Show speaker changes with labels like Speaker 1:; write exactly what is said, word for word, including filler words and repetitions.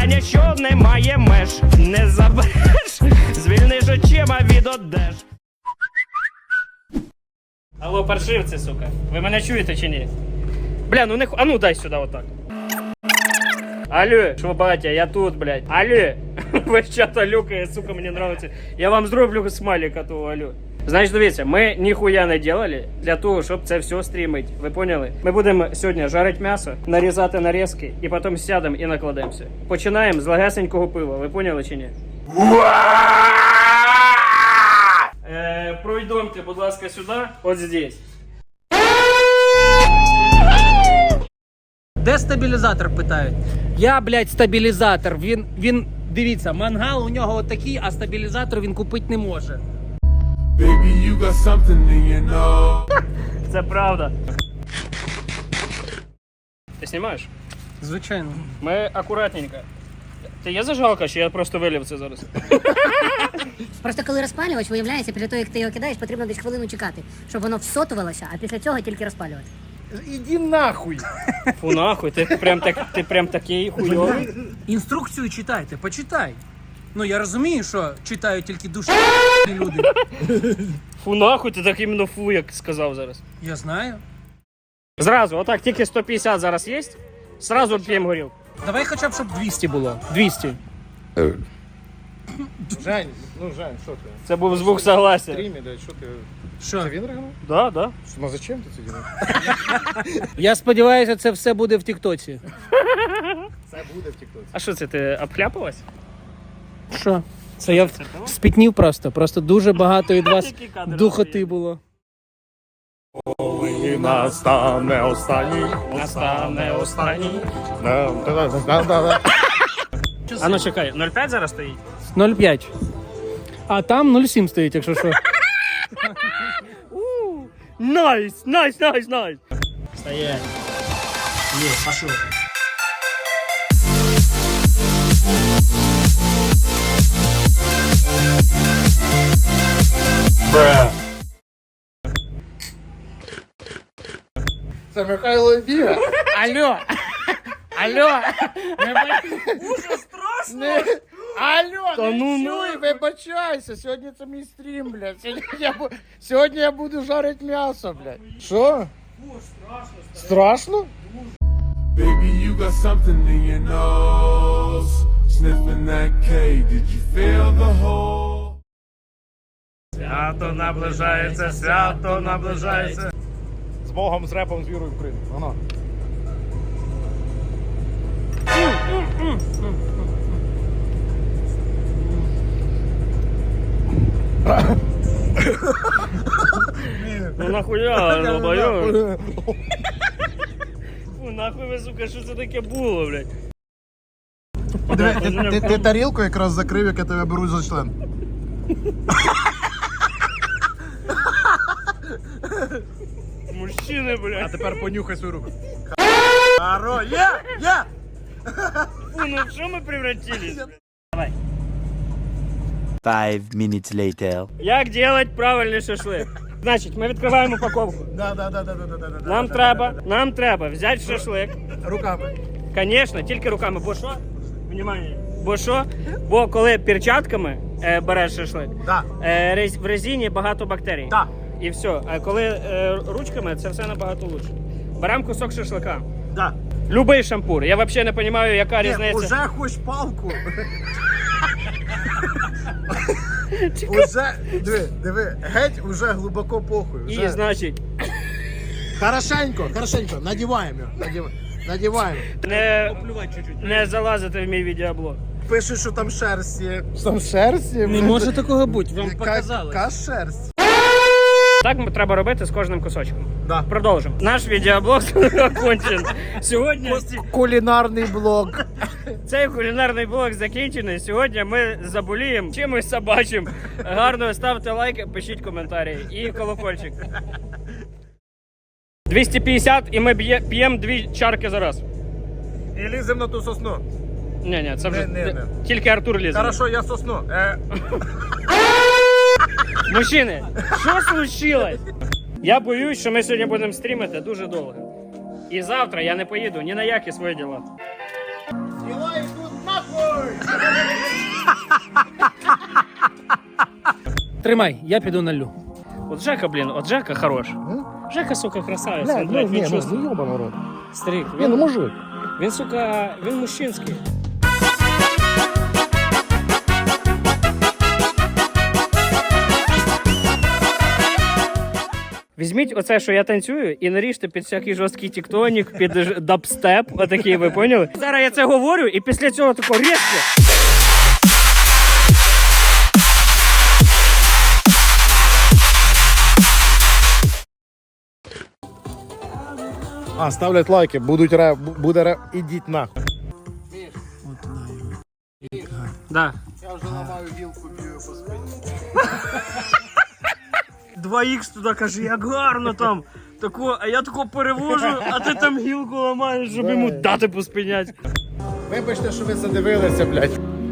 Speaker 1: кохання, що не має меж. Не забереш, звільниш очима від одеж. Алло, паршивці, сука. Ви мене чуєте чи ні? Бля, ну не ху... А ну дай сюди отак. Алло, що, батя, я тут, блядь. Алло. Весь чат алюкає, сука, мені нравиться. Я вам зроблю смайлика того, алло. Значить, дивіться, ми ніхуя не делали для того, щоб це все стрімити. Ви поняли? Ми будемо сьогодні жарити м'ясо, нарізати нарізки і потім сядемо і накладемося. Починаємо з легесенького пива. Ви поняли чи ні? Е, пройдемте, будь ласка, сюди. От здесь.
Speaker 2: Де стабілізатор, питають? Я, блядь, стабілізатор. Він, він, дивіться, мангал у нього отакий, а стабілізатор він купити не може.
Speaker 3: Baby, you got something in your nose.
Speaker 1: Це правда. Ти знімаєш?
Speaker 2: Звичайно.
Speaker 1: Ми акуратненько. Ти є зажигалка, чи я просто вилив це зараз?
Speaker 4: Просто коли розпалювач, виявляється, після того, як ти його кидаєш, потрібно десь хвилину чекати, щоб воно всотувалося, а після цього тільки розпалювати.
Speaker 2: Іди нахуй.
Speaker 1: Фу нахуй, ти прям, так, ти прям такий хуйовий.
Speaker 2: Інструкцію читайте, почитай. Ну, я розумію, що читають тільки душі люди.
Speaker 1: Фу нахуй, ти так іменно фу, як сказав зараз.
Speaker 2: Я знаю.
Speaker 1: Зразу, отак, тільки сто п'ятдесят зараз є, зразу п'ємо горілку.
Speaker 2: Давай хоча б, щоб двісті було. двісті.
Speaker 5: Жень, ну Жень, що ти?
Speaker 1: Це був звук согласия.
Speaker 5: Стрімі, да, що ти?
Speaker 2: Що?
Speaker 5: Це він ригнув?
Speaker 1: Да, да.
Speaker 5: Ну зачем ти це робиш?
Speaker 2: Я сподіваюся, це все буде в Тіктоці.
Speaker 5: Це буде в тіктоці.
Speaker 1: А що це, ти обхляпалась?
Speaker 2: Що? Це я спітнів просто. Просто дуже багато від вас
Speaker 1: Які кадри
Speaker 2: духоти
Speaker 1: стоять?
Speaker 2: було.
Speaker 5: І настане останній.
Speaker 1: Настане останній.
Speaker 5: Да-да-да-да-да.
Speaker 1: А ну чекай, нуль п'ять зараз стоїть?
Speaker 2: нуль п'ять. А там нуль сім стоїть, якщо що.
Speaker 1: Найс, найс, найс, найс. Стоять. Є, пошел.
Speaker 5: Це Михайло Біга.
Speaker 2: Алло! Алло!
Speaker 5: Уже страшно. Не... Алло,
Speaker 1: Та
Speaker 5: не
Speaker 1: ну,
Speaker 5: чуй, вибачайся. Сьогодні це мій стрім, блядь. Сьогодні я, бу... Сьогодні я буду жарити м'ясо, блядь. Що? Страшно? Страшно?
Speaker 3: Baby, you got something in your nose. Sniffing that K, did you feel the hole?
Speaker 1: Свято наближається, свято наближається.
Speaker 5: З Богом, з репом, з вірою в Україну. Воно.
Speaker 1: Ну нахуя, долбойо? Фу, нахуй ви, сука, що це таке було, блядь?
Speaker 5: Ти, ти, ти, ти тарілку якраз закрив, як я тебе беру за член.
Speaker 1: Мужчини, блядь.
Speaker 5: А тепер понюхай свою руку. Харо, є, є!
Speaker 1: Фу, ну в що ми превратились? Давай.
Speaker 6: Five minutes later.
Speaker 1: Як делать правильний шашлик? Значить, ми відкриваємо упаковку.
Speaker 5: Да, да, да, да, да, да, да.
Speaker 1: Нам треба, нам треба взяти шашлик.
Speaker 5: Руками.
Speaker 1: Звісно, тільки руками. Бо що? Внимание. Бо що? Бо коли перчатками е, береш шашлик,
Speaker 5: Да.
Speaker 1: е, рез- в резині багато бактерій.
Speaker 5: Да.
Speaker 1: І все. А коли е, ручками, це все набагато лучше. Беремо кусок шашлика.
Speaker 5: Да.
Speaker 1: Любий шампур. Я взагалі не розумію, яка
Speaker 5: Ні,
Speaker 1: різниця.
Speaker 5: уже хоч палку. Уже, диви, диви, геть уже глибоко похуй.
Speaker 1: І,
Speaker 5: Уже.
Speaker 1: значить,
Speaker 5: Хорошенько, хорошенько, надіваємо його, надіваємо. Надіваємо.
Speaker 1: не, не залазити в мій відеоблог.
Speaker 5: Пишуть, що там шерсть є. Там шерсть є?
Speaker 2: Не може такого бути, вам
Speaker 5: Яка-
Speaker 2: показалось.
Speaker 5: Яка шерсть?
Speaker 1: Так треба робити з кожним кусочком.
Speaker 5: Да.
Speaker 1: Продовжимо. Наш відеоблог окончен. Сьогодні
Speaker 5: Кулінарний блок.
Speaker 1: цей кулінарний блог закінчений. Сьогодні ми заболіємо чимось собачим. Гарно ставте лайки, пишіть коментарі і колокольчик. двісті п'ятдесят і ми п'ємо дві чарки за раз.
Speaker 5: І лізем на ту сосну.
Speaker 1: Ні, ні, це вже
Speaker 5: Не, не, не.
Speaker 1: тільки Артур лізе.
Speaker 5: Хорошо, я сосну. Е,
Speaker 1: Мужчини, що случилось? Я боюсь, що ми сьогодні будемо стрімити дуже довго. І завтра я не поїду ні на які свої діла.
Speaker 5: діла йдуть нахуй!
Speaker 2: Тримай, я піду налю.
Speaker 1: Вот Жека, блин, вот Жека хорош. Жека, сука, красавець.
Speaker 5: Блядь,
Speaker 1: Він,
Speaker 5: ну,
Speaker 1: блядь,
Speaker 5: ні,
Speaker 1: він
Speaker 5: ну,
Speaker 1: чувствує.
Speaker 5: ну, йобаний рот.
Speaker 1: Старик,
Speaker 5: Ні, ну
Speaker 1: він,
Speaker 5: мужик.
Speaker 1: він, сука, він мужчинський. Візьміть оце, що я танцюю, і наріжте під всякий жорсткий тіктонік, під ж- дабстеп, отакий, ви поняли? Зараз я це говорю, і після цього тако різко.
Speaker 5: А, ставлять лайки, будуть ре, буде ре, ідіть нахуй.
Speaker 1: Да.
Speaker 5: Я вже ламаю вілку, б'ю по спині.
Speaker 1: два ікс туди каже, як гарно там. Тако, а я тако перевожу, а ти там гілку ламаєш, щоб йому дати поспинять.
Speaker 5: Вибачте, що ви задивилися, блядь.